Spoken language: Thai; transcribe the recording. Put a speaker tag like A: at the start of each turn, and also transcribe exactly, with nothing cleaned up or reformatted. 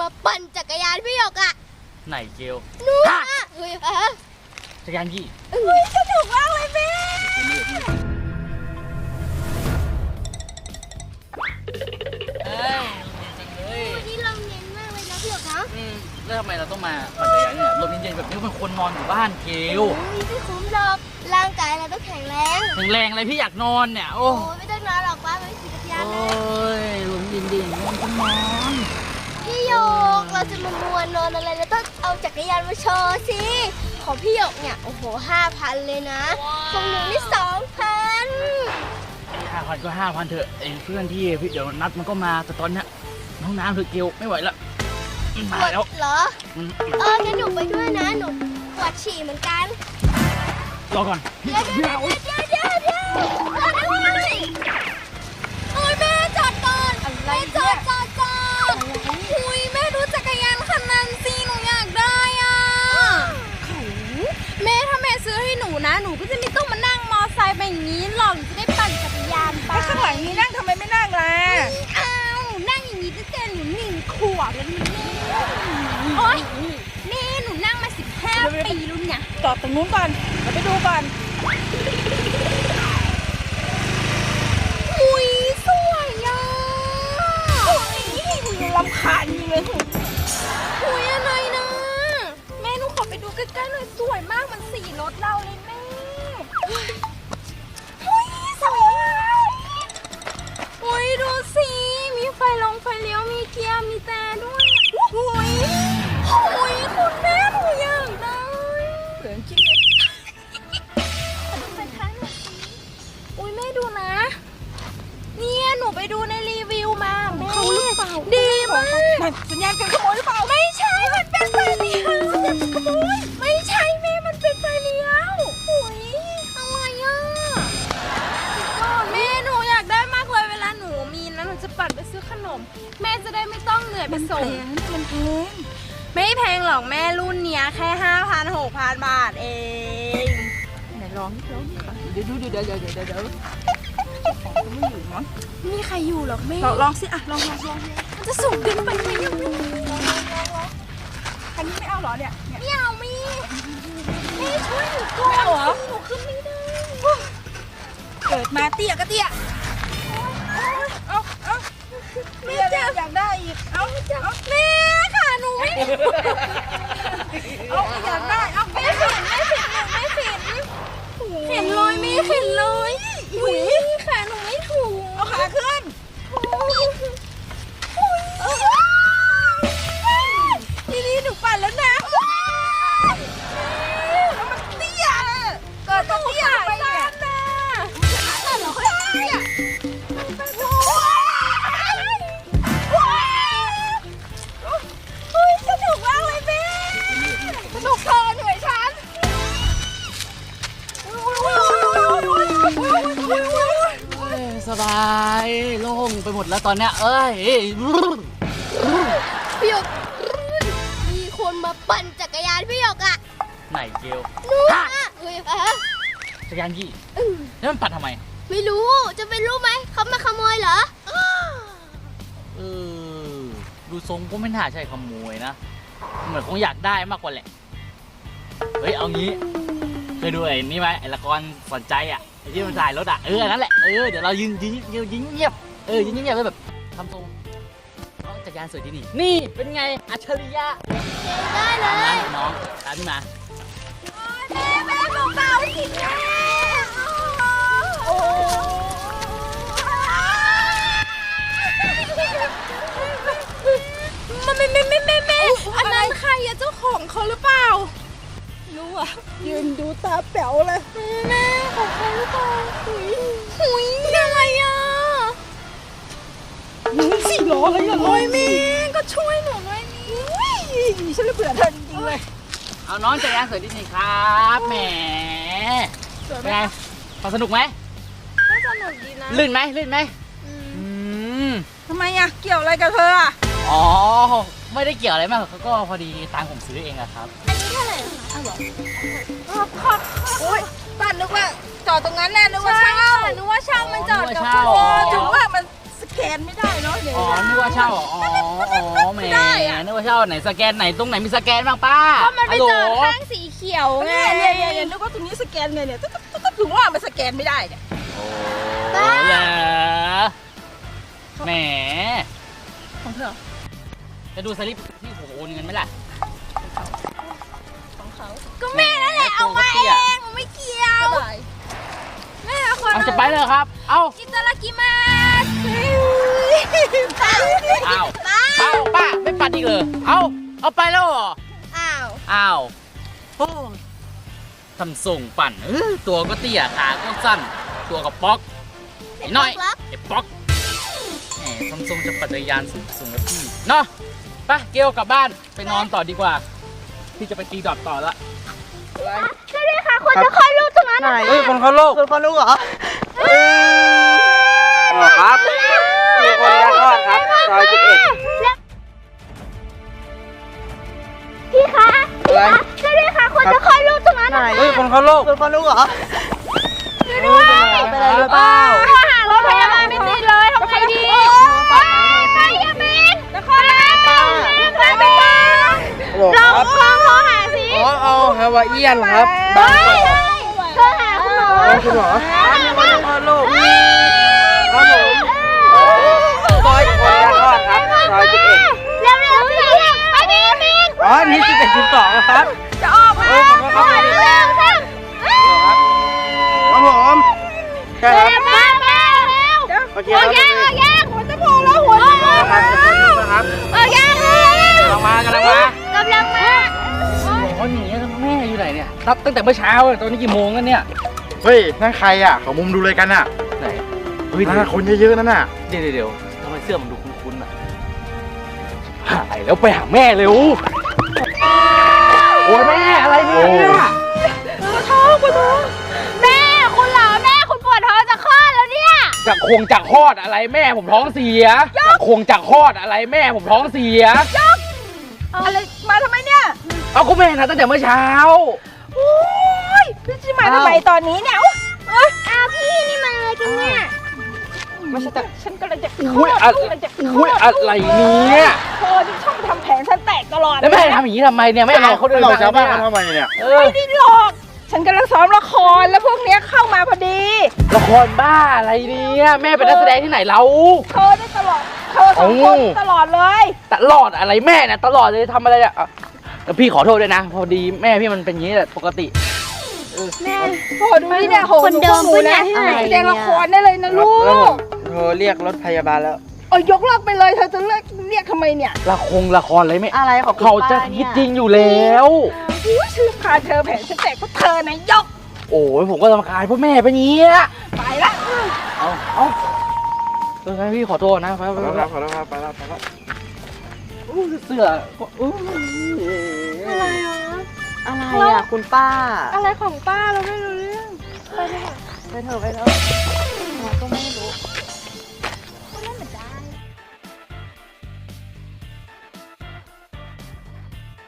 A: ปั่นจักรยานพี่หยกอะ
B: ไหนเกล
A: นู่นอะเฮ้ยเออ
B: จักรยานพี่
A: เฮ้ยสนุกมากเลยแม่
B: เอ้ยจริงเลย
A: วันนี้ลมเย็นมากเลยนะพี่หยกนะ
B: อืมแล้วทำไมเราต้องมาปั่นจักรยานเนี่ยลมเย็นๆแบบนี้เป็นคนนอนอยู่บ้านเกล
A: ไม่คุ้มหรอกร่างกายเราต้องแข็งแรง
B: แข็งแรงอะไรพี่อยากนอนเนี่ยโอ้
A: ไม่ต้องนอนหรอกป้าไปขี่จักรยานนะ
B: โอ้ยลมเย็นๆนอนก็นอน
A: พี่หยกเราจะมามัวนอนอะไรเราต้องเอาจักรยานมาโชว์สิของพี่หยกเนี่ยโอ้โหห้าพันเลยนะของหนูนี่สองพัน
B: ห้าพันก็ห้าพันเถอะไอ้เพื่อนที่พี่เดี๋ยวนัดมันก็มาแต่ตอนเนี้ยน้องน้ำเธอเกลไม่ไหวละมาแล้ว
A: เหรอเอองั้นหนูไปด้วยนะหนูปวดฉี่เหมือนกัน
B: รอก่อน
A: เดี๋ยวเดี๋ยวเดี๋ยวเดี๋ยวเดี๋ยวอะไรโอ้ยแม่จอดก่อนแม่จอดจอดจอดอุ้ยแม่ดูจักรยานคันนั้นสิหนูอยากได้อ่ะแม่ถ้าแม่ซื้อให้หนูนะหนูก็จะไม่ต้องมานั่งมอไซค์แบบนี้หรอกจะได้ปั่นจักรยานไป
C: ข้างหลังนี้นั่งทำไมไม่นั่งล่ะ
A: อ้าวหนูนั่งอย่างนี้ตั้งแต่หนูหนึ่งขวบแล้วนี่โอ๊ยแม่หนูนั่งมาสิบห้าปีแล้วเนี่ย
C: จอดตรงนู้นก่อนเดี๋ยวไปดูก่อน
A: อุ้ยสวยอ่ะ
C: รำคาญนี่เลย
A: อุ้ยอะไรนะ
C: แม่หนูขอไปดูใกล้ๆหน่อยสวยมากมันสีรถเราเลยแม่
A: อุ้ยสวยอุ้ยดูสิมีไฟลงไฟเลี้ยวมีเกียร์มีแต่ด้วยอุ้ยอุ้ยคุณแม่หนูอยากได้
C: เหลืองจริงเลย
A: ดูไฟท้ายหน่อยสิอุ้ยแม่ดูนะเนี่ยหนูไปดูในรีวิวมาเขาหรือเปล่าดีมาก
C: สัญญาณการขโมยหรือเปล่า
A: ไม่ใช่มันเป็นไฟเลี้ยวขโมยไม่ใช่แม่มันเป็นไฟเลี้ยวอุ้ยอะไรอ่ะแม่หนูอยากได้มากเลยเวลาหนูมีนะหนูจะปั่นไปซื้อขนมแม่จะได้ไม่ต้องเหนื่อยไปส่ง
C: มันแพง
A: ไม่แพงหรอกแม่รุ่นเนี้ยแค่ห้าพันหกพันบาทเอง
C: ไหนลองลองเดี๋ยวดูเดี๋ยวเดี๋ยวเดี๋ยวเดี๋ยวเดี๋ยวไม่อยู่มั้ง
A: มีใครอยู่หรอกแม่
C: ลองสิอ่ะลองลองลอง
A: มันจะสูงเกินไปไหมยังไม่
C: อันนี้ไม่เอาหรอเนี่ย
A: ไม่เอามีแม่ช่วยหนูก่อน
C: ไม่เอาเหรอ
A: หนูขึ้นไม่ได้
C: เกิดมาเตี้ยก็เตี้ยเอาเอาแม่อยากได้อีกเอาเอา
A: แม่ค่ะหนูไม่
C: เอาอยากได้เอา
A: แม่เห็นแม่เห็นหนูไม่เห็นเห็นเลยไม่เห็นเลยอุ้ยขาหนูไม่ถูก
C: เอาขาขึ้น
A: ทีนี้หนูปั่นแล้วนะ
C: มันเตี้ยเกิดมาเตี้ยไปเนี่ย
A: แต่เราค่อยเตี้ยสนุกมากเลยแม่สนุกเกินหน่วยฉัน
B: สบายโล่งไปหมดแล้วตอนเนี้ยเอ้ย
A: พี่หยกมีคนมาปั่นจักรยานพี่หยกอะ
B: ไหนเกล
A: นู่นอะเฮ้ยเออ
B: จักรยานยี่แล้วมันปั่นทำไม
A: ไม่รู้จะไปรู้ไหมเขามาขโมยเหรอ
B: เออดูทรงก็ไม่น่าใช่ขโมยนะเหมือนคงอยากได้มากกว่าแหละเฮ้ยเอางี้เคยดูไอ้นี่ไหมไอ้ละครสนใจอ่ะไอ้ที่มันถ่ายรถอ่ะเออนั่นแหละเออเดี๋ยวเรายืนยืนยืนยืนเงียบเออยืนเงียบแล้วแบบทำทรงเอาจักรยานสวยที่นี่นี่เป็นไงอัจฉริยะ
A: ได้เลย
B: น้องตามพี่มา
A: แม่แม่เบาๆสิแม่โอ้มันไม่ไม่ไม่ไม่แม่อันนั้นใครอะเจ้าของเขาหรือเปล่ารู้อะ
C: ยืนดูตาแป๋วเลย
A: แม่ของใครหรือเปล่าหุยหุยอะไรอะ
C: สี่ล้ออะไรอะ
A: โอ้ยแม่ก็ช่วยหนูหน่อย
C: นี่ฉันเลยเบื่อเธอจริงๆเลย
B: เอาน้องจักรยานสวยที่นี่ครับแหมเป็นไงพอสนุกไหม
A: ก็สนุกดีนะ
B: ลื่นไหมลื่นไหม
C: ทำไมอะเกี่ยวอะไรกับเธออะ
B: อ๋อไม่ได้เกี่ยวอะไรมากเขาก็พอดีตังผมซื้อเองอะครับ
A: อันนี้เท่าไหร่อ้าวเหรอ
C: ขอบขอบโอ้ยป้านึกว่าจอดตรงนั้นแน่นึกว่าเช่า
A: นึกว่าเช่ามันจอดกับ
C: โอ้ถึงว่ามันสแกแกนไม่ได้เนาะเดี๋ยว
B: อ๋อนึกว่าเช่าอ๋ออ๋อแหมนึกว่าเช่าไหนสแกนไหนตรงไหนมีสแกนบ้างป้า
A: ก็มันไป
B: ฮัลโหล
A: เจอข้างสีเขียวไง
C: เนี่ยเนี่ยเนี่ยนึกว่าตรงนี้สแกนไงเนี่ยตุ๊บตุ๊บตุ๊บถึงว่ามันสแกนไม่ได้เนี่ย
B: โอ้เหรอแหม
C: ของเธอ
B: จะดูสลิปที่ผมโอนเงินไหมล่ะ
C: ของเขา
A: ก็แม่นั่นแหละเอามาเองไม่เกี่ยว
C: ก็ได้
A: แม่เอาคน
B: เอาจะไปเลยครับ เอา
A: อิตาลากิมาส
B: เอาเอาป้าไม่ปัดอีกเลยเอาเอาไปแล้วเหรอ
A: อ้าว
B: อ้าวโอ้ทำส่งปั่นเออตัวก็เตี้ยขาก็สั้น ตัวก็ป๊อกไอ้น้อยไอ้ป๊อกแหมทำทรงจะปัจจัยยานสูงสูงกับพี่เนาะไปเกลกลับบ้านไปนอนต่อดีกว่า พี่จะไปตีดอทต่อละ
A: ใช่เลยค่ะคนจะคลอดลูกตรงนั้น
D: ไหนเฮ้ยคนเขาโลกคนเขาลูกเหรออ๋อครับมีคนยาคลอดครับซอยสิบเอ็ด
A: พี่คะ
D: อะไร
A: ใช่เลยค่ะคนจะคลอดลูกตรงนั้น
D: ไหนเฮ้ยคนเขาโลกคนเขาลูกเหรอ
A: ด้วย
D: เป็นอะไรหรือเปล่า
A: โทรหารถพยาบาลไม่ติดเลยทำไงดีไปยามินนครราชสีมา
D: โลก
A: ลอง
D: ครับ
A: ลองโทรหาสิ
D: อ๋อเอาฮาวาเอียนครับ
A: ไป
D: บางกอก
A: โทรหาคุณหมอ
D: เฮ้ยคุณหมอมีคนคลอดลูกครับผมซอยคนยาคลอดครับซอยสิบเอ็ด
A: เร็วเร็วสิไปดิยามิน
D: อ๋อนี่สิบเอ็ดสิบสองครับ
A: จะออกมา
D: เฮ้ยขอโทษครับ
A: เร็วเร็วสิ
D: ครับผมใช่ครับ
A: เร็วมาเร็วเร็ว
D: โอเค
A: โอ้
D: ครับ
A: ยยังโอ้ยยังหัวจะโผล่แล้วหัวจะโผล่
D: ครับจะพูดนะครับ
A: โอ้ยยังเร็ว
D: กำลังมากำลังมาก
A: ำลังมา
B: โอ้ยหนีแล้วแม่อยู่ไหนเนี่ยนับตั้งแต่เมื่อเช้าเลยตอนนี้กี่โมงแล้วเนี่ย
E: เฮ้ย นั่นใครอ่ะเขามุมดูเลยกันอ่ะ
B: ไหนเฮ้ย
E: นั่นนะคนเยอะๆนั่นน่ะ
B: เดี๋ยวเดี๋ยวเดี๋ยวทำไมเสื้อมันดูคุ้นๆอ่ะหายแล้วไปหาแม่เร็วโอ้ยแม่อะไรเนี่ย
A: แม่คุณเหรอแม่คุณปวดท้องจะคลอดแล้วเนี่ย
B: จากคงจากคลอดอะไรแม่ผมท้องเสียจากคงจากคลอดอะไรแม่ผมท้องเสีย
C: อะไรมาทำไมเนี่ย
B: เอาก็แม่นะตั้งแต่เมื่อเช้า
C: โอ้ยพี่จะมาทำไมตอนนี้เนี่ยอุ๊ยเอ้ย
A: อ้าวพี่นี่มันอะไรกันเนี่ย
C: ไม่ใช่แต่ฉันกำลังจะ
B: อุ้ยอะ
C: กำลังจะ
B: อุ้ยอะไรเนี่ย
C: เธอที่ชอบทำแผนฉันแตกตลอด
B: แล้วแม่ทำอย่างนี้ทำไมเนี่ยไม่เอาเขาเดิน
E: เรา
B: มา
E: ชาวบ้าน
B: เนี่
E: เขา
B: ย
E: ทำไมเนี่ย
B: เออ
C: ไม่ได้หลอก ฉันกำลังซ้อมละครแล้วพวกเนี้ยเข้ามาพอดี
B: ละครบ้าอะไรเนี่ยแม่เป็นนักแสดงที่ไหนเรา
C: เธอได้ตลอด เธอสองคน
B: โอ้
C: ตลอดเลย
B: ตลอดอะไรแม่เนี่ยตลอดเลยทำอะไรเนี่ยอ่ะแล้วพี่ขอโทษด้วยนะ พอดีแม่พี่มันเป็นอย่างนี้แหละปกติ
A: แม่
C: โอ้ดูนี่เนี่ยโห
A: คนเดิม
C: หนู
A: ปะเนี่
C: นะ
A: ยที่ไหน
C: แสดงละครได้เลยนะลู
D: แล้วผ
C: ก
D: มโทรเรียกรถพยาบาลแล้ว
C: เออยกเลิกไปเลยเธอจะเลิกเรียกทำไมเนี่ย
B: ละครละครอะไรไม่
D: อะไรของคุณ
B: เขาจะ
D: ป้าเนี่ย
B: คิดจริงอยู่แล้ว
C: อุ้ยชื่อพาเธอแผนฉันแตกเพราะเธอนะยก
B: โอ้ยผมก็รำคาญเพราะแม่เป็นอย่างนี้อะ
C: ไปละ
B: เอาเอาเอองั้นพี่ขอโทษนะไป
E: ข
B: ไป
E: อโทษ
B: ไป
E: ครับขอโทษครับไปแล้วไปแล้ว
B: อู้เสื้อก็อู้
A: อะไรอ่ะ
D: อะไรอ่ะคุณป้า
A: อะไรของป้าเราไม่รู้เรื่อง ไปเลยค่ะ
D: ไปเถอะไปเถอะเราก็ไม่รู้